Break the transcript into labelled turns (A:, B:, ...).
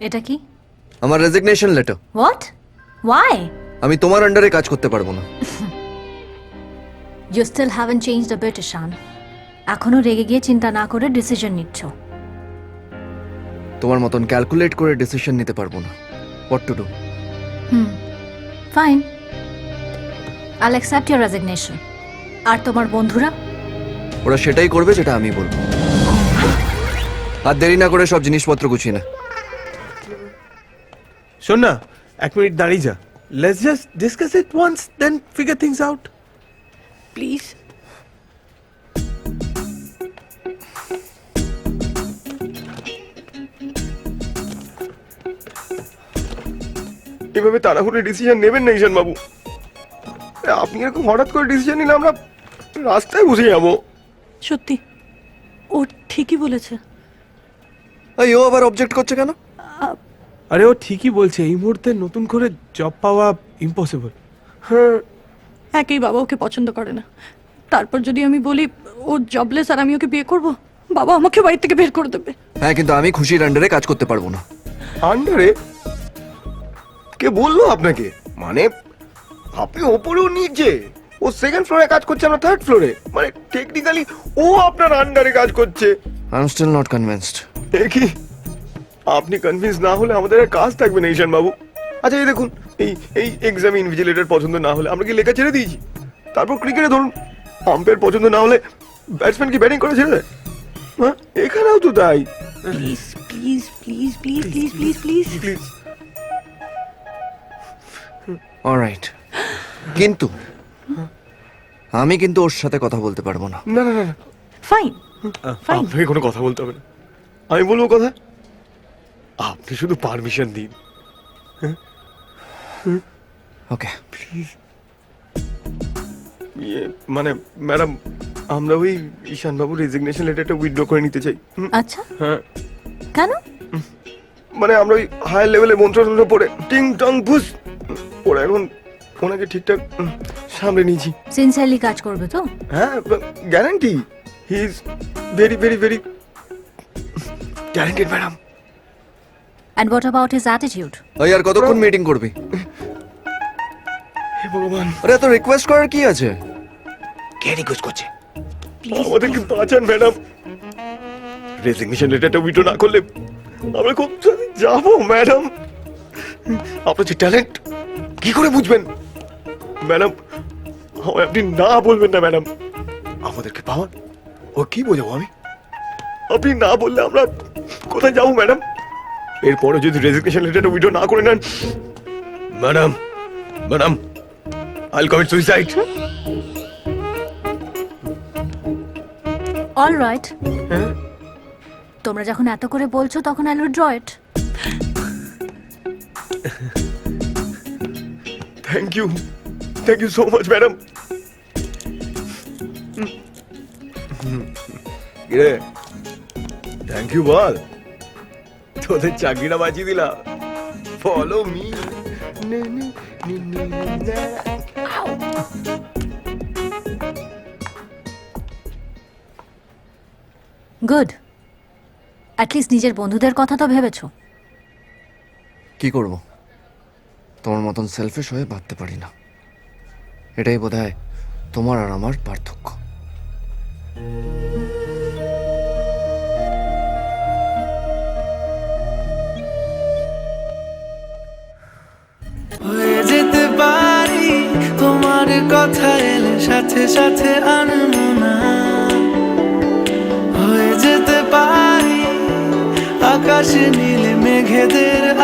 A: এটা কি?
B: আমার রেজিগনেশন লেটার।
A: হোয়াট? ওয়াই?
B: আমি তোমার আন্ডারে কাজ করতে পারবো না।
A: You still haven't changed a bit Ishaan. এখনো রেগে গিয়ে চিন্তা না করে ডিসিশন নিচ্ছ।
B: তোমার মতন ক্যালকুলেট করে ডিসিশন নিতে পারবো না। What to do?
A: Fine, I'll accept your resignation. আর তোমার বন্ধুরা?
B: ওরা সেটাই করবে যেটা আমি বলবো। আর দেরি না করে সব জিনিসপত্র গুছিয়ে না।
C: শোন না, 1 মিনিট দাঁড়িয়ে যা। Let's just discuss it once, then figure things out please.
D: এভাবে তাড়াহুড়ো ডিসিশন নেবেন না ঈশান বাবু। আপনি এরকম হঠাৎ করে ডিসিশন নিলে আমরা রাস্তায় বসে যাবো।
E: সত্যি ও ঠিকই বলেছে।
B: এই ও আবার অবজেক্ট করছে কেন?
C: আরে ও ঠিকই বলছে, এই মুহূর্তে নতুন করে জব পাওয়া ইম্পসিবল।
D: হ্যাঁ,
E: একেই বাবা ওকে পছন্দ করে না, তারপর যদি আমি বলি ও জবলেস আর আমি ওকে বিয়ে করব, বাবা আমাকে বাড়ি থেকে বের করে দেবে।
B: হ্যাঁ, কিন্তু আমি খুশির আন্ডারে কাজ করতে পারবো না।
D: আন্ডারে? কে বললো আপনাকে? মানে আপনি ওপরেও নিচে, ও সেকেন্ড ফ্লোরে কাজ করছে, আমরা থার্ড ফ্লোরে। মানে টেকনিক্যালি ও আপনার আন্ডারে কাজ করছে।
B: I am still not convinced.
D: কি আপনি কনভিন্স না হলে আমাদের আর কাজ থাকবে না ঈশান বাবু। আচ্ছা এই দেখুন, এই এই এক্সাম ইনভিজিলেটর পছন্দ না হলে আমরা কি লেখা ছেড়ে দিয়েছি? তারপর ক্রিকেটে ধরুন, আম্পায়ার পছন্দ না হলে ব্যাটসম্যান কি ব্যাটিং করে ছেড়ে দেয়? হ্যাঁ, এখানেও তো তাই।
E: Please please please please please please please
D: please
B: alright, কিন্তু আমি কিন্তু ওর সাথে কথা বলতে পারবো না।
D: না না না না,
E: ফাইন ফাইন।
D: আপনাকে কোনো কথা বলতে হবে না, আমি বলবো কথা। আপনি শুধু পারমিশন দিন।
B: ওকে।
D: মানে ম্যাডাম, আমরা ওই ঈশান বাবুর রেজিগনেশন লেটারটা উইথড্র করে নিতে চাই।
A: আচ্ছা,
D: হ্যাঁ,
A: কেন?
D: মানে আমরা ওই হায়ার লেভেলে মন্ত্র পড়ে টিং টং ভুস ওরা এখন ওনাকে ঠিকঠাক সামলে নিয়েছি।
A: সিনসিয়ারলি কাজ করবে তো?
D: হ্যাঁ, guarantee. He is very very very talented madam.
A: And what about his attitude?
B: ওই আর কতক্ষণ মিটিং করবি?
D: হে ভগবান,
B: আরে এত রিকোয়েস্ট করার কি আছে?
D: কে রিকোয়েস্ট করছে? আমাদেরকে বাঁচান ম্যাডাম। রেজিগনেশন লেটারটা উইথড্র না করলে আমরা কোথায় যাবো ম্যাডাম? আপনার যে ট্যালেন্ট কি করে বুঝবেন ম্যাডাম? আমায় আপনি না বলবেন না ম্যাডাম। আমাদেরকে পাওয়ান ও কি বোঝাবো আমি? আপনি না বললে আমরা কোথায় যাবো ম্যাডাম? এরপরে যদি রেজিগনেশন লেটারটা উইথড্র না করে নেন madam, madam I'll commit suicide.
A: Alright, তোমরা যখন এত করে বলছো তখন I will draw it.
D: Thank you so much madam. রে থ্যাংক ইউ বল, তোদের চাকরিটা বাঁচিয়ে দিলাম। Follow me.
A: গুড, অ্যাটলিস্ট নিজের বন্ধুদের কথা তো ভেবেছো।
B: কি করব? তোমার মতন সেলফিশ হয়ে ভাবতে পারি না। এটাই বোধহয় তোমার আর আমার পার্থক্য।
F: হয়ে যেতে পারি তোমার কথা এলে সাথে সাথে আনমনা। হয়ে যেতে পারি আকাশে নীলে মেঘেদের